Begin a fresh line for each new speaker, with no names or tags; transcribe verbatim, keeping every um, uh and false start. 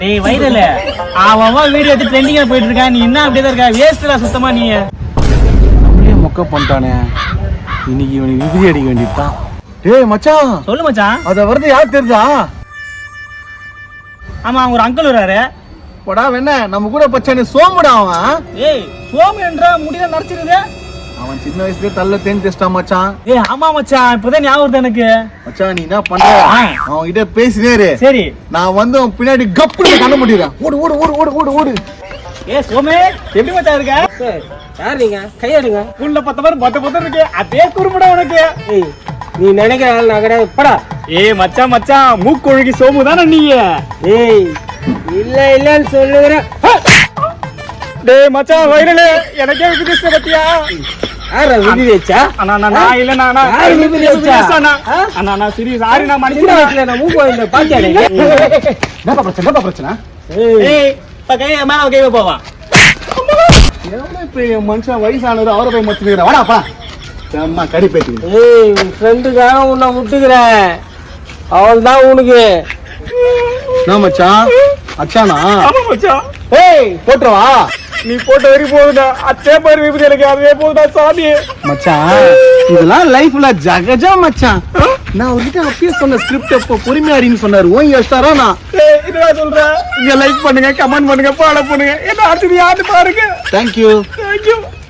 டேய் வைரல அவன் வீடியோ எடுத்து ட்ரெண்டிங்கா போயிட்டு இருக்கான். நீ என்ன அப்படியே தான் இருக்க? வேஸ்ட்டா சுத்தமா நீ.
அப்படியே மொக்க பண்ணிட்டானே. இன்னைக்கு இவனுக்கு விபதி அடிக்க வேண்டியதுதான். டேய் மச்சான்,
சொல்லு மச்சான்.
அத வருது யார் தெரியுதா?
ஆமா, ஒரு அங்கிள் வராரு.
போடா வெண்ண, நம்ம கூட பச்சானே சோமுடா அவன்.
ஏய் சோமு என்ற முடிதான் நடிச்சிருது.
அவன் சின்ன வயசுலயே தள்ள தேன் டெஸ்டா மச்சான்.
ஏய் ஆமா மச்சான், இப்பதான் ஞாபகம் வருது எனக்கு.
மச்சான் நீ என்ன பண்ற? அவன் கிட்ட பேசினேரு.
சரி,
நான் வந்து அவன் பின்னாடி கப்புனு கண்ண முடிறேன். ஓடு ஓடு ஓடு ஓடு ஓடு ஓடு.
ஏய் சோமே, எப்படி மச்சான் இருக்க?
சார் யார் நீங்க? கையாடுங்க.
உள்ள பத்த மாதிரி பத்த பத்த இருக்கு. அதே குறும்படா உனக்கு.
ஏய் நீ நினைக்கிற ஆள் நான் கிடையாது. படா.
ஏய் மச்சான் மச்சான், மூக்கொழுகி சோமு தானே நீ?
ஏய் இல்ல இல்லன்னு சொல்லுகிறேன்.
டேய் மச்சான் வைரல, எனக்கே விதிச்ச பத்தியா?
யாரா விதி வச்சா?
அண்ணா நான் இல்ல நானா.
யார் விதி வச்சா?
அண்ணா நான் சீரியஸ் சாரி, நான்
சின்ன
மன்னிச்சிடுறேன்.
வயசுல நான் மூக்கு இந்த பாத்தியாடே.
என்னப்பா பிரச்சனை? என்னப்பா பிரச்சனை?
ஏய் பக்கே மேல கை போவான்.
எவ்வளவு பெரிய மனுஷன் வயசானது அவரை போய் மச்சுக்கிறேன். வாடாப்பா அம்மா கறி பேட்டி.
ஏய் உன் ஃப்ரெண்டுக்காக உன்னை விட்டுக்கிறேன். அவள் தான் உனக்கு.
என்ன மச்சான்? அச்சானா?
ஆமா மச்சான்.
ஏய் போட்டுருவா.
நீ போட்ட வரி போகுதா? அச்சே பாரு விபதி எனக்கு அதுவே போகுதா சாமி.
மச்சான் இதெல்லாம் லைஃப்ல ஜகஜா மச்சான். நான் உங்ககிட்ட அப்பயே சொன்ன ஸ்கிரிப்ட் எப்போ பொறுமையாடின்னு சொன்னாரு. ஓங்கி வச்சிட்டாரா? நான்
ஏய் என்னடா சொல்ற? இங்க லைக் பண்ணுங்க, கமெண்ட் பண்ணுங்க, ஃபாலோ பண்ணுங்க. என்ன அடுத்து யாரு பாருங்க.
தேங்க்யூ.
Thank you.